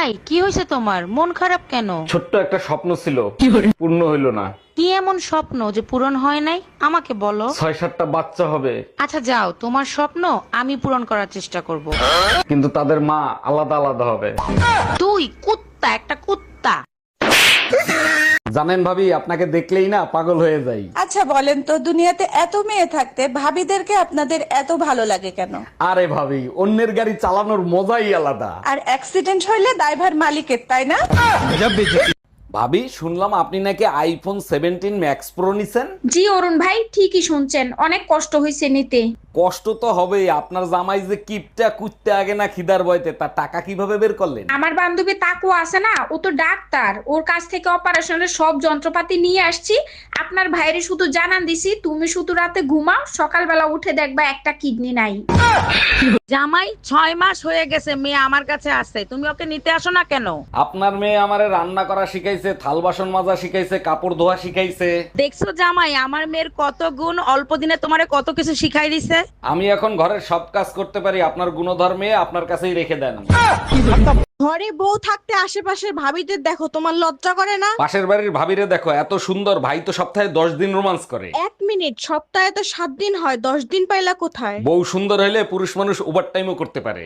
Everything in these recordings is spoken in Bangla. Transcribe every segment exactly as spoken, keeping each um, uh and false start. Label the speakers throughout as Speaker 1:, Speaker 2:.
Speaker 1: এই কি হয়েছে তোমার, মন খারাপ কেন?
Speaker 2: ছোট্ট একটা স্বপ্ন ছিল, পূর্ণ হইল না।
Speaker 1: কি এমন স্বপ্ন যে পূরণ হয় নাই, আমাকে বলো।
Speaker 2: ছয় সাতটা বাচ্চা হবে,
Speaker 1: আচ্ছা যাও, তোমার স্বপ্ন আমি পূরণ করার চেষ্টা করব।
Speaker 2: কিন্তু তাদের মা আলাদা আলাদা হবে।
Speaker 1: তুই কুত্তা, একটা কুত্তা।
Speaker 2: জানেন ভাবি, আপনাকে দেখলেই না পাগল হয়ে যাই।
Speaker 3: আচ্ছা বলেন তো, দুনিয়াতে এত মেয়ে থাকতে ভাবিদেরকে আপনাদের এত ভালো লাগে কেন?
Speaker 2: আরে ভাবি, অন্যের গাড়ি চালানোর মজাই আলাদা।
Speaker 3: আর অ্যাক্সিডেন্ট হইলে দায়ভার মালিকের, তাই না?
Speaker 2: ভাবি, শুনলাম আপনি নাকি আইফোন সেভেন্টিন ম্যাক্স প্রো নিছেন।
Speaker 4: জি অরুণ ভাই, ঠিকই শুনছেন, অনেক কষ্ট হয়েছে নিতে।
Speaker 2: কষ্ট তো হবেই, আপনার জামাই যে কিপটা কুত্তে আগে না খিদার বয়তে, তার টাকা কিভাবে বের করলেন?
Speaker 4: আমার বান্ধবী তাকু আছে না, ও তো ডাক্তার, ওর কাছ থেকে অপারেশনের সব যন্ত্রপাতি নিয়ে আসছি। আপনার ভাইরে শুধু জানান দিছি, তুমি শুধু রাতে ঘুমাও, সকালবেলা উঠে দেখবা একটা কিডনি নাই।
Speaker 1: জামাই ছয় মাস হয়ে গেছে, মেয়ে আমার কাছে আসছে, তুমি ওকে নিতে আসো না কেন?
Speaker 2: আপনার মেয়ে আমারে রান্না করা শিখাইছে, থাল বাসন মাজা শিখাইছে, কাপড় ধোয়া শিখাইছে।
Speaker 1: দেখছো জামাই, আমার মেয়ের কত গুণ, অল্প দিনে তোমারে কত কিছু শিখাই দিছে।
Speaker 2: আমি এখন ঘরের সব কাজ করতে পারি, আপনার গুণধর মেয়ে আপনার কাছেই রেখে দেন।
Speaker 5: ঘরে বউ থাকতে আশেপাশের ভাবিদের দেখো, তোমার লজ্জা করে না?
Speaker 2: পাশের বাড়ির ভাবিরে দেখো, এত সুন্দর, ভাই তো সপ্তাহে দশ দিন রোমান্স করে।
Speaker 5: এক মিনিট, সপ্তাহে তো সাত দিন হয়, দশ দিন পাইলা কোথায়?
Speaker 2: বউ সুন্দর হলে পুরুষ মানুষ ওভার টাইমও করতে পারে।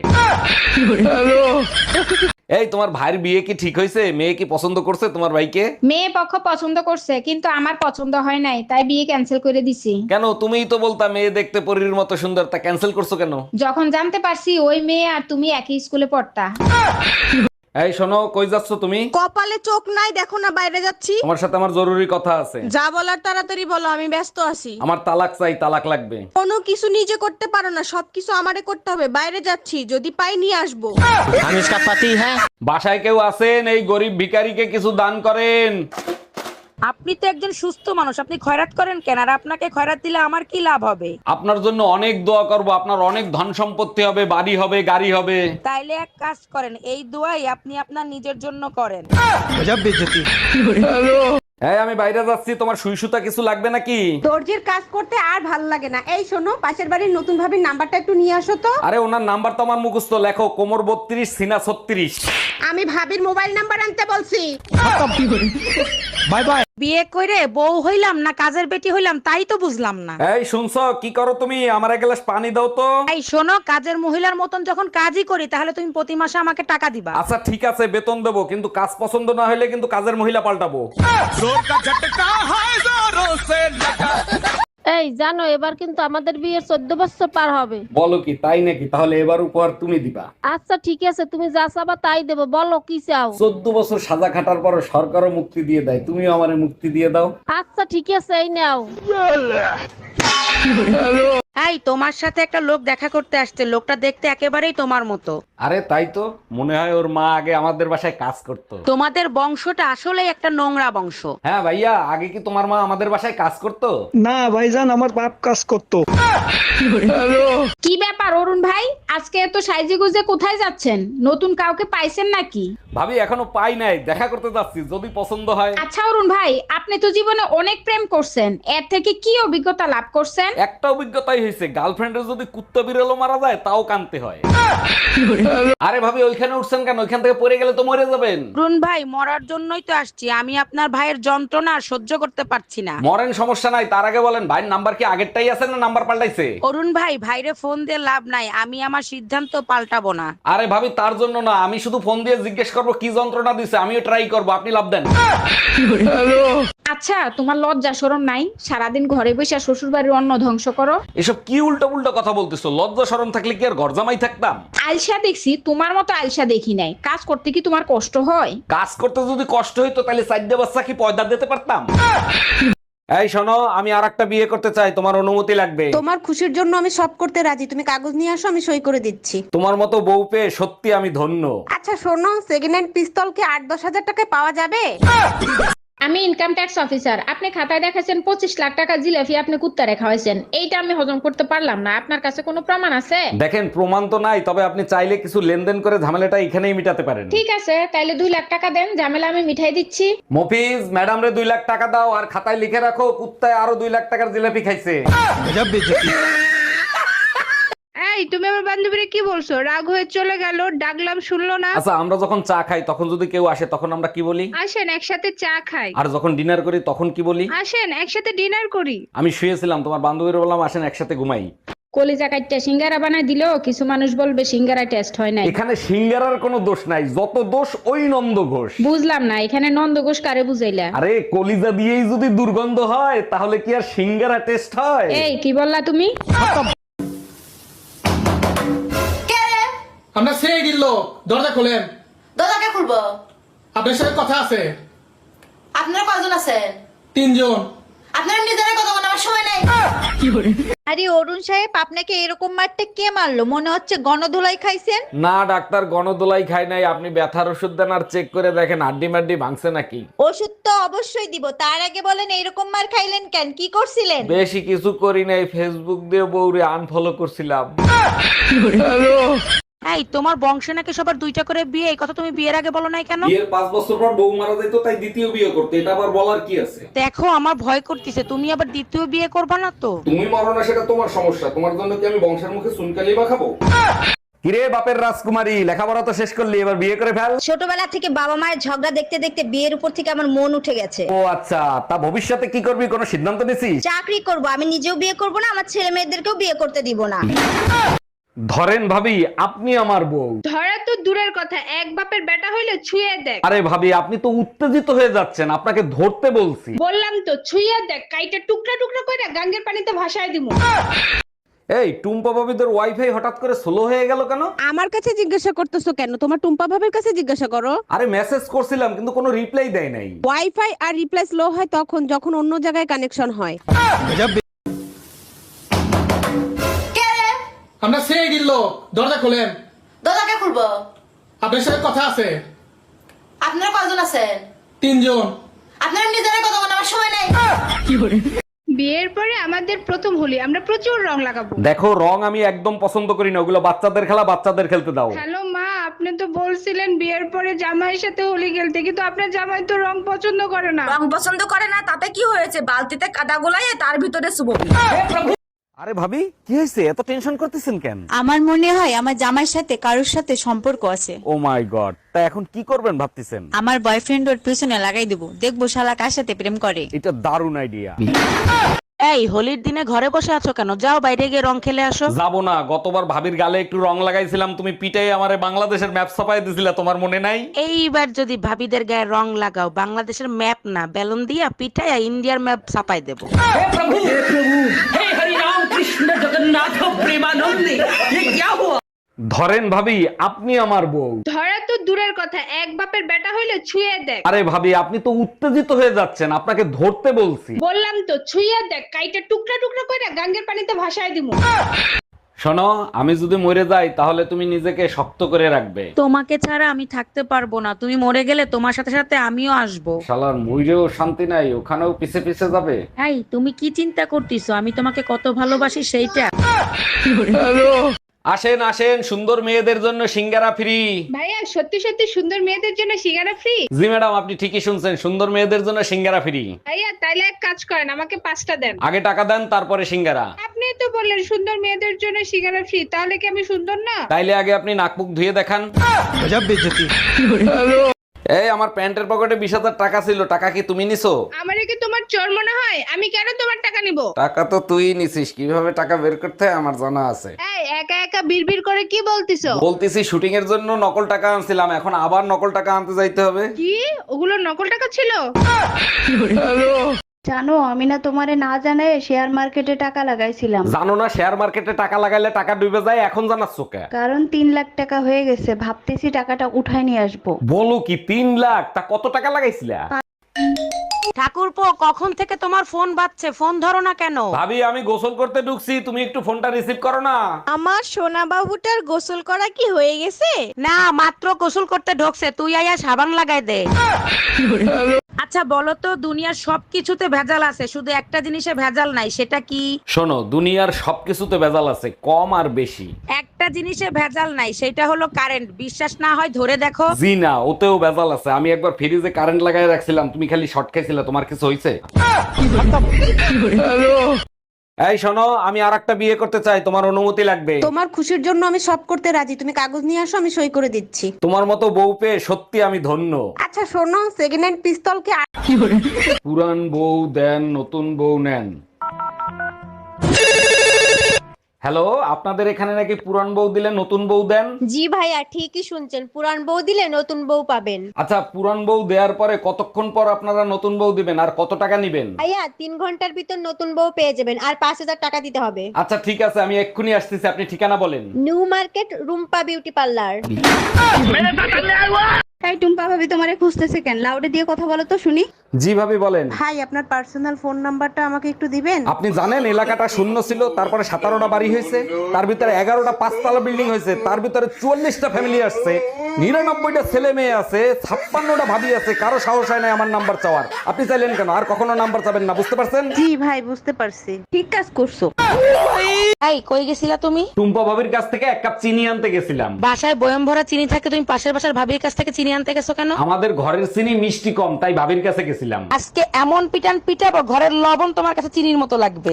Speaker 2: এই, তোমার ভাইয়ের বিয়ে কি ঠিক হয়েছে? মেয়ে কি পছন্দ করছে তোমার ভাইকে?
Speaker 4: মেয়ে পক্ষ পছন্দ করছে, কিন্তু আমার পছন্দ হয় নাই, তাই বিয়ে ক্যান্সেল করে দিছি।
Speaker 2: কেন? তুমিই তো বলতা মেয়ে দেখতে পরীর মতো সুন্দর, তা ক্যান্সেল করছো কেন?
Speaker 4: যখন জানতে পারছি ওই মেয়ে আর তুমি একই স্কুলে পড়তা।
Speaker 2: এই শোনো, কই যাচ্ছ তুমি?
Speaker 5: কপালে চোখ নাই, দেখো না বাইরে যাচ্ছি।
Speaker 2: তোমার সাথে আমার জরুরি কথা আছে।
Speaker 5: যা বলার তাড়াতাড়ি বলো, আমি ব্যস্ত আছি।
Speaker 2: আমার তালাক চাই, তালাক লাগবে।
Speaker 5: কোনো কিছু নিজে করতে পারো না, সবকিছু আমারে করতে হবে। বাইরে যাচ্ছি, যদি পাই নিয়ে আসবো।
Speaker 6: हम इसका पति है।
Speaker 2: বাসায় কেউ আছেন? এই গরিব ভিখারিকে কিছু দান করেন।
Speaker 1: আপনি তো একজন সুস্থ মানুষ, আপনি খয়রাত করেন কেন? আর আপনাকে খয়রাত দিলে আমার কি লাভ হবে?
Speaker 2: আপনার জন্য অনেক দোয়া করব, আপনার অনেক ধন সম্পত্তি হবে, বাড়ি হবে, গাড়ি হবে।
Speaker 1: তাইলে এক কাজ করেন, এই দোয়াই আপনি আপনার নিজের জন্য করেন।
Speaker 2: এই, আমি বাইরে যাচ্ছি, তোমার সুই সুতা কিছু লাগবে নাকি?
Speaker 7: দর্জির কাজ করতে আর ভাল লাগে না। এই শোনো, পাশের বাড়ির নতুন ভাবির নাম্বারটা একটু নিয়ে আসো তো।
Speaker 2: আরে ওনার নাম্বার তো আমার মুখস্থ, লেখো কোমর বত্রিশ, সিনা ছত্রিশ।
Speaker 7: আমি ভাবির মোবাইল নাম্বার আনতে বলছি।
Speaker 6: Bye bye.
Speaker 1: বিয়ে করে বউ হইলাম না কাজের বেটি হইলাম, তাই তো বুঝলাম না।
Speaker 2: এই শুনছো, কি করো তুমি? আমার এক গ্লাস পানি দাও তো।
Speaker 1: এই শোনো, কাজের মহিলার মতন যখন কাজই করি, তাহলে তুমি প্রতি মাসে আমাকে টাকা দিবা।
Speaker 2: আচ্ছা ঠিক আছে, বেতন দেবো, কিন্তু কাজ পছন্দ না হলে কিন্তু কাজের মহিলা পাল্টাবো।
Speaker 8: এই জানো, এবার কিন্তু আমাদের বিয়ের চোদ্দ বছর পার হবে।
Speaker 2: বলো কি, তাই নাকি? তাহলে এবার উপহার তুমি দিবা।
Speaker 8: আচ্ছা ঠিক আছে, তুমি যা চাবা তাই দেবো, বলো কি চাও।
Speaker 2: চোদ্দ বছর সাজা খাটার পর সরকারও মুক্তি দিয়ে দেয়, তুমিও আমারে মুক্তি দিয়ে দাও।
Speaker 8: আচ্ছা ঠিক আছে, এই নাও।
Speaker 1: এই, তোমার সাথে একটা লোক দেখা করতে আসছে, লোকটা দেখতে একেবারেই তোমার মতো।
Speaker 2: আরে তাই তো, মনে হয় ওর মা আগে আমাদের বাসায় কাজ করতো।
Speaker 1: তোমাদের বংশটা আসলেই একটা নোংরা বংশ।
Speaker 2: হ্যাঁ ভাইয়া, আগে কি তোমার মা আমাদের বাসায় কাজ করতো?
Speaker 6: না ভাইজান, আমার বাপ কাজ করতো।
Speaker 4: কি ব্যাপার অরুণ ভাই, আজকে এত সাইজে গুজে কোথায় যাচ্ছেন? নতুন কাউকে পাইছেন নাকি?
Speaker 2: ভাবি এখনো পাই নাই, দেখা করতে যাচ্ছি, যদি পছন্দ হয়।
Speaker 4: আচ্ছা অরুণ ভাই, আপনি তো জীবনে অনেক প্রেম করছেন, এর থেকে কি অভিজ্ঞতা লাভ করছেন?
Speaker 2: একটা অভিজ্ঞতাই হয়েছে, গার্লফ্রেন্ডের যদি কুত্তা বিড়ালও মারা যায় তাও কানতে হয়। আরে ভাবি, ওইখানে উঠছেন কেন? ওইখান থেকে পড়ে গেলে তো মরে যাবেন।
Speaker 1: অরুণ ভাই, মরার জন্যই তো আসছি, আমি আপনার ভাইয়ের যন্ত্রণা আর সহ্য করতে পারছি না।
Speaker 2: মরেন, সমস্যা নাই, তার আগে বলেন ভাইয়ের নাম্বার কি আগেরটাই আছে না নাম্বার পাল্টাইছে?
Speaker 1: অরুণ ভাই, ভাইরে ফোন দিয়ে লাভ নাই, আমি আমার সিদ্ধান্ত পাল্টাবো না।
Speaker 2: আরে ভাবি, তার জন্য না, আমি শুধু ফোন দিয়ে জিজ্ঞেস করবো কি যন্ত্রণা দিছে, আমিও ট্রাই করবো, আপনি লাভ দেন।
Speaker 4: আচ্ছা, তোমার লজ্জা শরম নাই? সারাদিন ঘরে বসে শ্বশুর বাড়ির অন্ন ধ্বংস করো।
Speaker 2: এসব কি উল্টো উল্টো কথা বলতেছো? লজ্জা শরম থাকলে কি আর ঘর জামাই থাকতাম?
Speaker 4: আলসা দেখছি, তোমার মতো আলসা দেখি নাই। কাজ করতে কি তোমার কষ্ট হয়?
Speaker 2: কাজ করতে যদি কষ্ট হইতো তাহলে চারটে বাচ্চা কি পয়দা দিতে পারতাম? এই শোনো, আমি আর একটা বিয়ে করতে চাই, তোমার অনুমতি লাগবে।
Speaker 7: তোমার খুশির জন্য আমি সব করতে রাজি, তুমি কাগজ নিয়ে আসো, আমি সই করে দিচ্ছি।
Speaker 2: তোমার মতো বউ পেয়ে সত্যি আমি ধন্য।
Speaker 7: আচ্ছা শোনো, সেকেন্ড হ্যান্ড পিস্তল কি আট দশ হাজার টাকায় পাওয়া যাবে?
Speaker 4: আমি ইনকাম ট্যাক্স অফিসার, আপনি খাতায় দেখাছেন পঁচিশ লাখ টাকা জিলাপি আপনি কুত্তা রেখা হয়েছেন, এইটা আমি হজম করতে পারলাম না। আপনার কাছে কোনো প্রমাণ আছে?
Speaker 2: দেখেন, প্রমাণ তো নাই, তবে আপনি চাইলে কিছু লেনদেন করে ঝামেলাটা এখানেই মিটাতে পারেন।
Speaker 4: ঠিক আছে, তাইলে দুই লাখ টাকা দেন, ঝামেলা আমি মিঠাই দিচ্ছি।
Speaker 2: মফিজ, ম্যাডাম রে দুই লাখ টাকা দাও, আর খাতায় লিখে রাখো কুত্তায় আরো দুই লাখ টাকার জিলাপি খাইছে।
Speaker 1: এই
Speaker 4: এই তুমি আমার বান্ধবীরে কি বলছো? রাগ হয়ে চলে গেল, ডাকলাম শুনলো না।
Speaker 2: আচ্ছা, আমরা যখন চা খাই তখন যদি কেউ আসে তখন আমরা কি বলি?
Speaker 4: আসেন একসাথে চা খাই।
Speaker 2: আর যখন ডিনার করি তখন কি বলি?
Speaker 4: আসেন একসাথে ডিনার করি।
Speaker 2: আমি শুয়েছিলাম, তোমার বান্ধবীর বললাম আসেন একসাথে ঘুমাই।
Speaker 4: কলিজা কাটটা সিঙ্গারা বানায় দিলেও কিছু মানুষ বলবে সিঙ্গারা টেস্ট হয় নাই।
Speaker 2: এখানে সিঙ্গারার কোনো দোষ নাই, যত দোষ ওই নন্দ ঘোষ।
Speaker 4: বুঝলাম না, এখানে নন্দ ঘোষ কারে বুঝাইলা?
Speaker 2: আরে কলিজা দিয়েই যদি দুর্গন্ধ হয় তাহলে কি আর সিঙ্গারা টেস্ট হয়?
Speaker 4: এই কি বললা তুমি?
Speaker 9: আমরা সেই দিল দরজা খোলেন।
Speaker 3: দরজাকে খুলবো?
Speaker 9: আপনার সাথে কথা আছে।
Speaker 3: আপনারা কয়জন আছেন?
Speaker 9: তিনজন।
Speaker 3: আপনারা নিজেরা কথা বলার সময় নাই।
Speaker 5: আরে অরুণ সাহেব, আপনাকে এরকম মারতে কে মারলো? মনে হচ্ছে গণধোলাই খাইছেন।
Speaker 2: না ডাক্তার, গণদোলাই খাই নাই। আপনি ব্যথার ওষুধ দেন আর চেক করে দেখেন হাড্ডি মাড্ডি ভাঙছে নাকি।
Speaker 5: ওষুধ তো অবশ্যই দিব, তার আগে বলেন এরকম মার খাইলেন কেন? কি করছিলেন?
Speaker 2: বেশি কিছু করি নাই, ফেসবুক দিয়ে বউরে আনফলো করছিলাম।
Speaker 1: এই তোমার বংশে নাকি সবার দুইটা করে বিয়ে, এই কথা তুমি বিয়ের আগে বলো নাই কেন?
Speaker 2: বিয়ের পাঁচ বছর পর বউ মারা যাইতো, তাই দ্বিতীয় বিয়ে করতে। এটা আবার বলার কি আছে?
Speaker 1: দেখো আমার ভয় করতেছে, তুমি আবার দ্বিতীয় বিয়ে করবা না তো?
Speaker 2: তুমি মরো না সেটা তোমার সমস্যা, তোমার জন্য কি আমি বংশের মুখে চুনকালি বা খাবো? কিরে বাপের রাজকুমারী, লেখাপড়া তো শেষ করলি, এবার বিয়ে করে ফেল।
Speaker 5: ছোটবেলা থেকে বাবা মায়ের ঝগড়া দেখতে দেখতে বিয়ের উপর থেকে আমার মন উঠে গেছে।
Speaker 2: ও আচ্ছা, তা ভবিষ্যতে কি করবি, কোনো সিদ্ধান্ত নিছিস?
Speaker 5: চাকরি করব, আমি নিজেও বিয়ে করব না, আমার ছেলে মেয়েদেরকেও বিয়ে করতে দিব না।
Speaker 2: ধরেন ভাবি, আপনি আমার বউ।
Speaker 4: ধরা তো দূরের কথা, এক বাপের বেটা হইলে ছুঁয়ে দেখ।
Speaker 2: আরে ভাবি, আপনি তো উত্তেজিত হয়ে যাচ্ছেন, আপনাকে ধরতে বলছি।
Speaker 4: বললাম তো ছুঁয়ে দেখ, কাইটা টুকরা টুকরা করে গাঙ্গের পানিতে ভাসায় দিমু।
Speaker 2: এই টুম্পা ভাবিদের ওয়াইফাই হঠাৎ করে স্লো হয়ে গেল কেন?
Speaker 7: আমার কাছে জিজ্ঞাসা করতেছো কেন? তোমার টুম্পা ভাবের কাছে জিজ্ঞাসা করো।
Speaker 2: আরে মেসেজ করছিলাম কিন্তু কোনো রিপ্লাই দেয় নাই।
Speaker 7: ওয়াইফাই আর রিপ্লাই স্লো হয় তখন যখন অন্য জায়গায় কানেকশন হয়।
Speaker 9: আমরা সেই দিল দরজা খোলেন।
Speaker 3: দরজাকে খুলবো?
Speaker 9: আপনার সাথে কথা আছে।
Speaker 3: আপনারা কয়জন আছেন?
Speaker 9: তিনজন।
Speaker 3: আপনারা নিজেরা কথা বলার সময় নাই।
Speaker 4: বিয়ের পরে আমাদের প্রথম হোলি, আমরা প্রচুর রং লাগাবো।
Speaker 2: দেখো, রং আমি একদম পছন্দ করি না, ওগুলো বাচ্চাদের খেলা, বাচ্চাদের খেলতে দাও।
Speaker 4: হ্যালো মা, আপনি তো বলছিলেন বিয়ের পরে জামাইয়ের সাথে হোলি খেলতে, কিন্তু আপনার জামাই তো রং পছন্দ করে না।
Speaker 3: রং পছন্দ করে না তাতে কি হয়েছে? বালতিতে কাদা গোলায় তার ভিতরে শুভ।
Speaker 2: আরে ভাবি, কি হয়েছে, এত টেনশন করতেছেন কেন?
Speaker 3: আমার মনে হয় আমার জামাইয়ের সাথে কারোর সাথে সম্পর্ক আছে।
Speaker 2: ও মাই গড, তা এখন কি করবেন ভাবতেছেন?
Speaker 3: আমার বয়ফ্রেন্ড ওর পিছনে লাগাই দেবো, দেখবো শালা কার সাথে প্রেম করে।
Speaker 2: এটা দারুণ আইডিয়া।
Speaker 1: এই হোলির দিনে ঘরে বসে আছো কেন? যাও বাইরে গিয়ে রং খেলে আসো।
Speaker 2: যাবো না, গতবার ভাবির গালে একটু রং লাগাইছিলাম, তুমি পিটাই আমারে বাংলাদেশের ম্যাপ ছাপাই দিছিলা, তোমার মনে নাই?
Speaker 1: এইবার যদি ভাবিদের গায়ে রং লাগাও, বাংলাদেশের ম্যাপ না বেলুন দিয়া পিঠাইয়া ইন্ডিয়ার ম্যাপ ছাপাই দেবো।
Speaker 2: ধরেন ভাবি, আপনি আমার বউ।
Speaker 4: ধরা তো দূরের কথা, এক বাপের বেটা হইলে ছুঁয়ে দেখ।
Speaker 2: আরে ভাবি, আপনি তো উত্তেজিত হয়ে যাচ্ছেন, আপনাকে ধরতে বলছি।
Speaker 4: বললাম তো ছুঁয়ে দেখ, কাইটা টুকরা টুকরা করে গাঙ্গের পানিতে ভাসায় দিমু।
Speaker 2: শোনো, আমি যদি মরে যাই তাহলে তুমি নিজেকে শক্ত করে রাখবে।
Speaker 1: তোমাকে ছাড়া আমি থাকতে পারবো না, তুমি মরে গেলে তোমার সাথে সাথে আমিও আসবো।
Speaker 2: শালার মইরেও শান্তি নাই, ওখানেও পিছে পিছে যাবে।
Speaker 1: এই তুমি কি চিন্তা করতেছো আমি তোমাকে কত ভালোবাসি সেইটা?
Speaker 2: আসেন আসেন, সুন্দর মেয়েদের জন্য সিঙ্গারা ফ্রি।
Speaker 4: ভাইয়া সত্যি সত্যি সুন্দর মেয়েদের জন্য সিঙ্গারা ফ্রি?
Speaker 2: জি ম্যাডাম, আপনি ঠিকই শুনছেন, সুন্দর মেয়েদের জন্য সিঙ্গারা ফ্রি।
Speaker 4: ভাইয়া তাইলে এক কাজ করেন, আমাকে পাঁচটা দেন।
Speaker 2: আগে টাকা দেন, তারপরে সিঙ্গারা।
Speaker 4: আপনি তো বললেন সুন্দর মেয়েদের জন্য সিঙ্গারা ফ্রি, তাহলে কি আমি সুন্দর না?
Speaker 2: তাইলে আগে আপনি নাক মুখ ধুয়ে দেখান। এই আমার প্যান্টের পকেটে বিশ হাজার টাকা ছিল, টাকা কি তুমি নিছো?
Speaker 4: আমারে কি তোমার চোর মনে হয়? আমি কেন তোমার টাকা নিব?
Speaker 2: টাকা তো তুই নিছিস, কিভাবে টাকা বের করতে হয় আমার জানা আছে।
Speaker 4: এই একা একা বিড়বিড় করে কি বলতিছো?
Speaker 2: বলতেছি শুটিং এর জন্য নকল টাকা আনছিলাম, এখন আবার নকল টাকা আনতে যাইতে হবে।
Speaker 4: কি ওগুলো নকল টাকা ছিল?
Speaker 7: জানো আমি না তোমারে না জানাই শেয়ার মার্কেটে টাকা লাগাইছিলাম।
Speaker 2: জানো না শেয়ার মার্কেটে টাকা লাগাইলে টাকা ডুবে যায়, এখন জানাচ্ছ কে?
Speaker 7: কারণ তিন লাখ টাকা হয়ে গেছে, ভাবতেছি টাকাটা উঠায় নিয়ে আসবো।
Speaker 2: বলো কি, তিন লাখ? তা কত টাকা লাগাইছিলা?
Speaker 1: ঠাকুরপো, কখন থেকে তোমার ফোন বাজছে, ফোন ধরো না কেন?
Speaker 2: ভাবি, আমি গোসল করতে ঢুকছি, তুমি একটু ফোনটা রিসিভ করো না।
Speaker 5: আমার সোনা বাবুটার গোসল করা কি হয়ে গেছে?
Speaker 1: না, মাত্র গোসল করতে ঢোকছে, তুই আয়া সাবান লাগাই দে। আচ্ছা বলো তো, দুনিয়ার সবকিছুতে ভেজাল আছে, শুধু একটা জিনিসে ভেজাল নাই, সেটা কি?
Speaker 2: শোনো, দুনিয়ার সবকিছুতে ভেজাল আছে, কম আর বেশি।
Speaker 1: একটা জিনিসে ভেজাল নাই, সেটা হলো কারেন্ট। বিশ্বাস না হয় ধরে দেখো।
Speaker 2: জি না, ওতেও ভেজাল আছে। আমি একবার ফ্রিজে কারেন্ট লাগাই রাখছিলাম, তুমি খালি শর্ট খাইছিলে, তোমার কিছু হইছে? এই শোনো, আমি আর একটা বিয়ে করতে চাই, তোমার অনুমতি লাগবে।
Speaker 7: তোমার খুশির জন্য আমি সব করতে রাজি, তুমি কাগজ নিয়ে আসো, আমি সই করে দিচ্ছি।
Speaker 2: তোমার মতো বউ পেয়ে সত্যি আমি ধন্য।
Speaker 7: আচ্ছা শোনো, সেকেন্ড হ্যান্ড পিস্তল কি
Speaker 2: পুরান বউ দেন, নতুন বউ নেন। হ্যালো, আপনাদের এখানে নাকি পুরান বউ দিলে নতুন বউ দেন?
Speaker 5: জি ভাইয়া ঠিকই শুনছেন, পুরান বউ দিলে নতুন বউ পাবেন।
Speaker 2: আচ্ছা, পুরান বউ দেওয়ার পরে কতক্ষণ পর আপনারা নতুন বউ দিবেন আর কত টাকা নিবেন?
Speaker 5: ভাইয়া তিন ঘন্টার ভিতর নতুন বউ পেয়ে যাবেন, আর পাঁচ হাজার টাকা দিতে হবে।
Speaker 2: আচ্ছা ঠিক আছে, আমি এক্ষুনি আসতেছি, আপনি ঠিকানা বলেন।
Speaker 5: New market, Rumpa beauty parlour.
Speaker 3: তাই টুম্পা ভাবি তোমারে খুঁজতেছে কেন? লাউডে দিয়ে কথা বলো তো শুনি।
Speaker 2: জি ভাবি বলেন।
Speaker 7: ভাই আপনার পার্সোনাল ফোন নাম্বারটা আমাকে একটু দিবেন?
Speaker 2: আপনি জানেন এলাকাটা শূন্য ছিল, তারপরে সতেরোটা বাড়ি হয়েছে, তার ভিতরে এগারোটা পাঁচতলা বিল্ডিং হয়েছে, তার ভিতরে চুয়াল্লিশটা ফ্যামিলি আসছে, নিরানব্বইটা ছেলে মেয়ে আছে, ছাপ্পান্নটা ভাবি আছে, কারো সাহস হয় না আমার নাম্বার চাওয়ার। আপনি চাইলেন কেন? আর কখনো নাম্বার চাবেন না, বুঝতে পারছেন?
Speaker 7: জি ভাই বুঝতে পারছি। ঠিক কাজ করছো।
Speaker 1: এই কই গেছিলা তুমি?
Speaker 2: টুম্পা ভাবির কাছ থেকে এক কাপ চিনি আনতে গেছিলাম।
Speaker 1: বাসায় বয়ম ভরা চিনি থাকে, তুমি পাশের বাসার ভাবির কাছ থেকে চিনি আনতে গেছো কেন?
Speaker 2: আমাদের ঘরের চিনি মিষ্টি কম, তাই ভাবির কাছে গেছিলাম।
Speaker 1: আজকে এমন পিটান পিটাবো, ঘরের লবণ তোমার কাছে চিনির মতো লাগবে।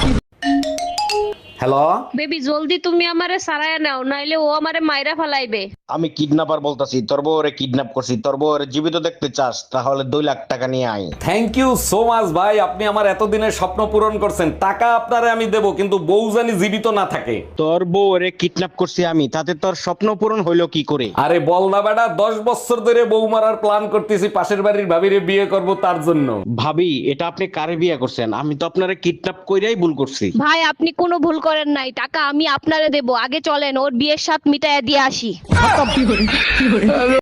Speaker 2: হ্যালো
Speaker 8: বেবি জলদি তুমি আমারে সারায় নাও, নাইলে ও আমারে মাইরা ফালাইবে।
Speaker 6: আমি কিডন্যাপার বলতাছি, তোর বউরে কিডন্যাপ করছি। তোর বউরে জীবিত দেখতে চাস তাহলে দুই লাখ টাকা নিয়ে আয়।
Speaker 2: থ্যাংক ইউ সো মাচ ভাই, আপনি আমার এতদিনের স্বপ্ন পূরণ করছেন। টাকা আপনারে আমি দেবো, কিন্তু বউ জানি জীবিত না থাকে।
Speaker 6: তোর বউরে কিডন্যাপ করছি আমি, তাতে তোর স্বপ্ন পূরণ হইলো কি করে?
Speaker 2: আরে বল না বেটা, দশ বছর ধরে বউ মারার প্ল্যান করতেছি, পাশের বাড়ির ভাবিরে বিয়ে করব তার জন্য।
Speaker 6: ভাবি, এটা আপনি কারে বিয়ে করছেন? আমি তো আপনারে কিডন্যাপ কইরাই ভুল করছি।
Speaker 8: ভাই আপনি কোনো ভুল করেন নাই, টাকা আমি আপনারে দেব। আগে চলেন ওর বিয়ের সাথ মিটাইয়া দিয়ে আসি।